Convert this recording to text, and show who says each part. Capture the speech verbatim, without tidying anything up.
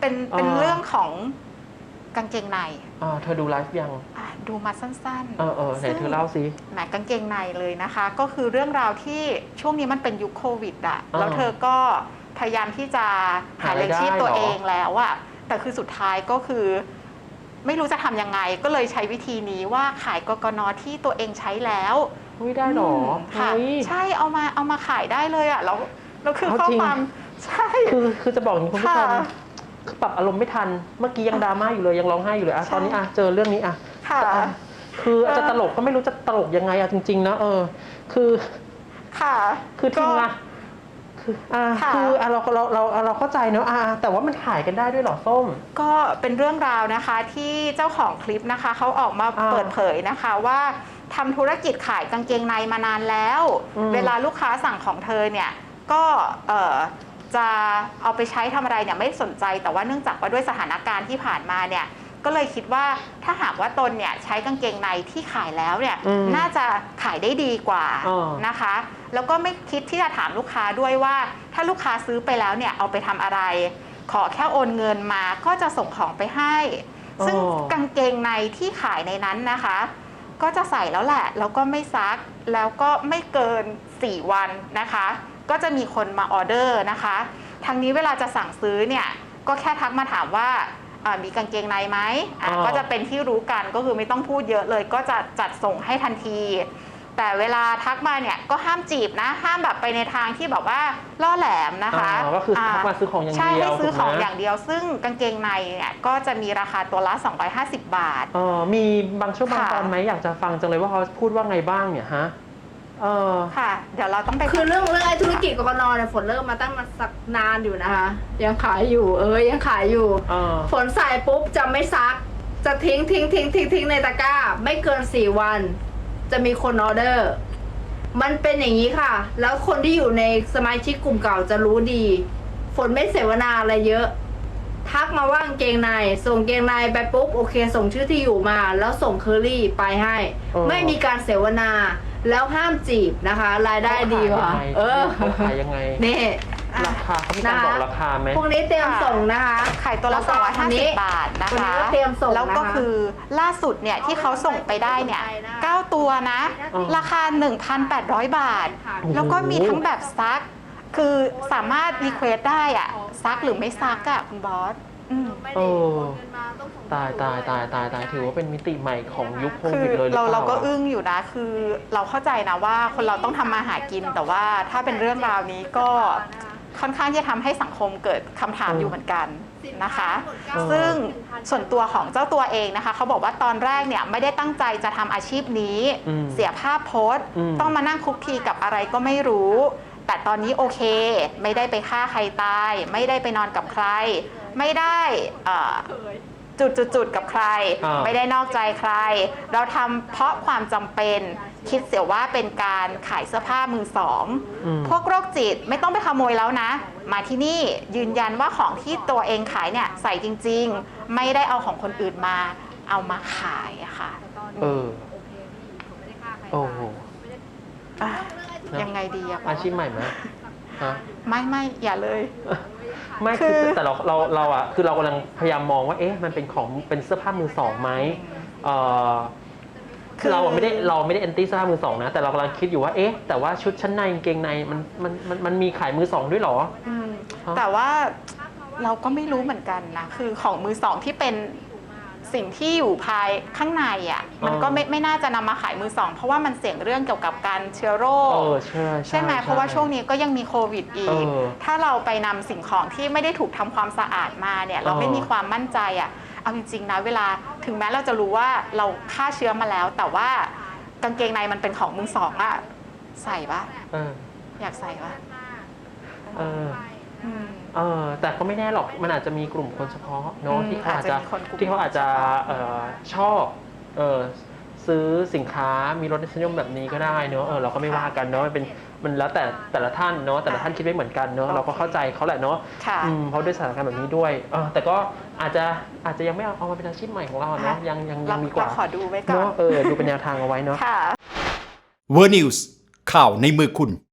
Speaker 1: เป็นเป็นเรื่องของกางเกงใน
Speaker 2: อ่าเธอดูไลฟ์ยัง
Speaker 1: ดูมาสั้นๆ
Speaker 2: เออเออไหนเธอเล่าสิ
Speaker 1: แหมกางเกงในเลยนะคะก็คือเรื่องราวที่ช่วงนี้มันเป็นยุคโควิดอะแล้วเธอก็พยายามที่จะหาเลี้ยงชีพตัวเองแล้วอะแต่คือสุดท้ายก็คือไม่รู้จะทำยังไงก็เลยใช้วิธีนี้ว่าขายกกน.ที่ตัวเองใช้แล้ว
Speaker 2: ไม่ได้หรอ
Speaker 1: ค่ะใช่เอามาเอามาขายได้เลยอะแล้วแล้วคือข้อความใช่
Speaker 2: คือคือจะบอกอย่างนี้คุณผู้ชมคือปรับอารมณ์ไม่ทันเมื่อกี้ยังดราม่าอยู่เลยยังร้องไห้อยู่เลยอะตอนนี้อะเจอเรื่องนี้อะคืออาจจะตลกก็ไม่รู้จะตลกยังไงอะจริงๆนะเออคือ
Speaker 1: ค่ะ
Speaker 2: คือทีมงานคืออ่าคืออ่ะเราเราเราเราเข้าใจเนอะอ่าแต่ว่ามันขายกันได้ด้วยหรอส้ม
Speaker 1: ก็เป็นเรื่องราวนะคะที่เจ้าของคลิปนะคะเขาออกมาเปิดเผยนะคะว่าทำธุรกิจขายกางเกงในมานานแล้วเวลาลูกค้าสั่งของเธอเนี่ยก็เออจะเอาไปใช้ทำอะไรเนี่ยไม่สนใจแต่ว่าเนื่องจากว่าด้วยสถานการณ์ที่ผ่านมาเนี่ยก็เลยคิดว่าถ้าหากว่าตนเนี่ยใช้กางเกงในที่ขายแล้วเนี่ยน่าจะขายได้ดีกว่านะคะแล้วก็ไม่คิดที่จะถามลูกค้าด้วยว่าถ้าลูกค้าซื้อไปแล้วเนี่ยเอาไปทำอะไรขอแค่โอนเงินมาก็จะส่งของไปให้ซึ่งกางเกงในที่ขายในนั้นนะคะก็จะใส่แล้วแหละแล้วก็ไม่ซักแล้วก็ไม่เกินสี่วันนะคะก็จะมีคนมาออเดอร์นะคะทางนี้เวลาจะสั่งซื้อเนี่ยก็แค่ทักมาถามว่ามีกางเกงในไหมก็จะเป็นที่รู้กันก็คือไม่ต้องพูดเยอะเลยก็จะจัดส่งให้ทันทีแต่เวลาทักมาเนี่ยก็ห้ามจีบนะห้ามแบบไปในทางที่แบบว่าล่อแหลมนะคะ
Speaker 2: ก็คือทักมาซื้อของอย่างเดียว
Speaker 1: ใช่ให้ซื้อของอย่างเดียวซึ่งกางเกงในเนี่ยก็จะมีราคาตัวละสองร้อยห้าสิบบาท
Speaker 2: อ๋อมีบางช่วงบางตอนไหมอยากจะฟังจังเลยว่าเขาพูดว่าไงบ้างเนี่ยฮะเออ
Speaker 1: ค่ะเดี๋ยวเราต้องไป
Speaker 3: คือเรื่องเรื่องไอ้ธุรกิจกกน.เนี่ยฝนเริ่มมาตั้งมาสักนานอยู่นะคะยังขายอยู่เออยังขายอยู่ฝนใส่ปุ๊บจะไม่ซักจะทิ้งทิ้งทิ้งทิ้งทิ้งในตะกร้าไม่เกินสี่วันจะมีคนออเดอร์มันเป็นอย่างนี้ค่ะแล้วคนที่อยู่ในสมาชิกกลุ่มเก่าจะรู้ดีฝนไม่เสวนาอะไรเยอะทักมาว่ากางเกงในส่งเกงในไปปุ๊บโอเคส่งชื่อที่อยู่มาแล้วส่งเคอรี่ไปให้ไม่มีการเสวนาแล้วห้ามจีบนะคะรายได้ดีกว่า
Speaker 2: เออขายยังไง
Speaker 3: นี่
Speaker 2: ราคาเขามีการบอกราคาไหม
Speaker 3: พวกนี้เตรียมส่งนะคะ
Speaker 1: ขายตัวละสองร้อยห้าสิบบาทนะคะ
Speaker 3: เตรียมส่ง
Speaker 1: แล้วก็คือล่าสุดเนี่ยที่เขาส่งไปได้เนี่ยเก้าตัวนะราคา หนึ่งพันแปดร้อย บาทแล้วก็มีทั้งแบบซักคือสามารถรีเควสได้อะซักหรือไม่ซักอะคุณบอส
Speaker 2: เออตายตายตายตายตายถือว่าเป็นมิติใหม่ของยุคโควิดเลย
Speaker 1: เราเราก็อึ้งอยู่นะคือเราเข้าใจนะว่าคนเราต้องทำมาหากินแต่ว่าถ้าเป็นเรื่องราวนี้ก็ค่อนข้างที่จะทำให้สังคมเกิดคำถามอยู่เหมือนกันนะคะซึ่งส่วนตัวของเจ้าตัวเองนะคะเขาบอกว่าตอนแรกเนี่ยไม่ได้ตั้งใจจะทำอาชีพนี้เสียภาพโพสต์ต้องมานั่งคุกคีกับอะไรก็ไม่รู้แต่ตอนนี้โอเคไม่ได้ไปฆ่าใครตายไม่ได้ไปนอนกับใครไม่ได้จุดๆกับใครไม่ได้นอกใจใครเราทำเพราะความจำเป็นคิดเสียว่าเป็นการขายเสื้อผ้ามือสองพวกโรคจิตไม่ต้องไปขโมยแล้วนะมาที่นี่ยืนยันว่าของที่ตัวเองขายเนี่ยใส่จริงๆไม่ได้เอาของคนอื่นมาเอามาขายอะค่ะ
Speaker 2: เออโอ้โห
Speaker 1: ยังไงดีอะ
Speaker 2: อาชีพใหม่ไหมฮะ
Speaker 1: ไม่ไม่อย่าเลย
Speaker 2: ไม่คือแต่เราเราเราอ่ะคือเรากำลังพยายามมองว่าเอ๊ะมันเป็นของเป็นเสื้อผ้ามือสองไหมเออคือเราไม่ได้เราไม่ได้แอนตี้เสื้อผ้ามือสองนะแต่เรากำลังคิดอยู่ว่าเอ๊ะแต่ว่าชุดชั้นในกางเกงในมันมันมันมันมีขายมือสองด้วยหรอ
Speaker 1: แต่ว่าเราก็ไม่รู้เหมือนกันนะคือของมือสองที่เป็นสิ่งที่อยู่ภายข้างในอ่ะมันก็ไม่ไม่น่าจะนำมาขายมือสองเพราะว่ามันเสี่ยงเรื่องเกี่ยวกับการเชื้อโรคใช่ไหมเพราะว่าช่วงนี้ก็ยังมีโควิดอีกถ้าเราไปนำสิ่งของที่ไม่ได้ถูกทำความสะอาดมาเนี่ยเราไม่มีความมั่นใจอ่ะเอาจริงๆนะเวลาถึงแม้เราจะรู้ว่าเราฆ่าเชื้อมาแล้วแต่ว่ากางเกงในมันเป็นของมือสองอ่ะใส่ปะอยากใส่ปะ
Speaker 2: เออเออแต่ก็ไม่แน่หรอกมันอาจจะมีกลุ่มคนเฉพาะเนาะที่เขาอาจจะที่เขาอาจจะชอบซื้อสินค้ามีรสนิยมแบบนี้ก็ได้เนาะเออเราก็ไม่ว่ากันเนาะมันเป็นมันแล้วแต่แต่ละท่านเนาะแต่ละท่านคิดไม่เหมือนกันเนาะเราก็เข้าใจเขาแหละเนาะเพราะด้วยสถานการณ์แบบนี้ด้วยเออแต่ก็อาจจะอาจจะยังไม่เอาเอามาเป็นอาชีพใหม่ของเราเนาะยังยังยังมีกว่า
Speaker 1: ขอดูไว้ก่อน
Speaker 2: เนาะเออดูเป็นแนวทางเอาไว้เนาะ
Speaker 4: เวอร์นิวส์ข่าวในมือคุณ